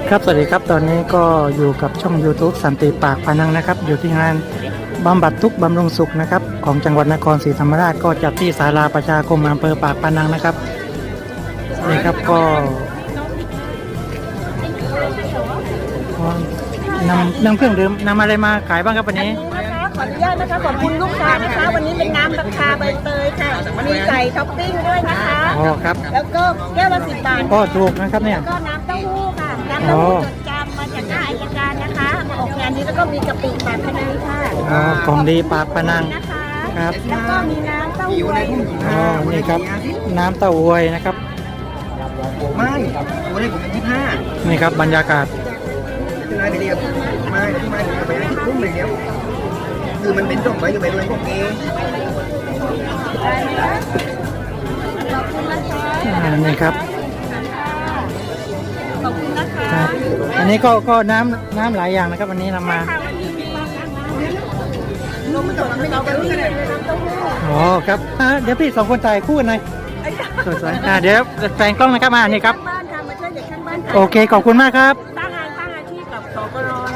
ครับสวัสดีครับตอนนี้ก็อยู่กับช่อง YouTube สันติปากพนังนะครับอยู่ที่งานบำบัดทุกข์บำรุงสุขนะครับของจังหวัดนครศรีธรรมราชก็จัดที่ศาลาประชาคมอำเภอปากพนังนะครับนี่ครับก็นำเครื่องดื่มนำอะไรมาขายบ้างครับวันนี้ขออนุญาตนะคะขอบคุณลูกค้านะคะวันนี้เป็นน้ำราคาใบเตยค่ะมีใส่ท็อปปิ้งด้วยนะคะอ๋อครับแล้วก็แก้วละ10 บาทก็ถูกนะครับเนี่ยก็น้ำเต้าหู้ค่ะน้ำเต้าหู้จดจำมาจากหน้าอัยการนะคะมาออกงานนี้แล้วก็มีกะปิปากพนังค่ะอ๋อของดีปากพนังนะคะครับแล้วก็มีน้ำเต้าหู้อ๋อนี่ครับน้ำเต้าหวยนะครับไม่วันนี้ผมเป็น25 นี่ครับบรรยากาศไม่เดียวไม่ไปทุ่มเลยเดียวคือมันเป็นส่งไปอยู่ไปด้วยพวกนี้นี่ครับขอบคุณนะคะครับอันนี้ก็น้ำหลายอย่างนะครับวันนี้นำมาลงมาจากไม่เอาไปที่เลยน้ำเต้าหู้อ๋อครับเดี๋ยวพี่สองคนถ่ายคู่กันหน่อยสวยๆเดี๋ยวแฝงกล้องนะครับนี่ครับบ้านค่ะมาช่วยเด็กข้างบ้านค่ะโอเคขอบคุณมากครับสร้างอาชีพกับสกร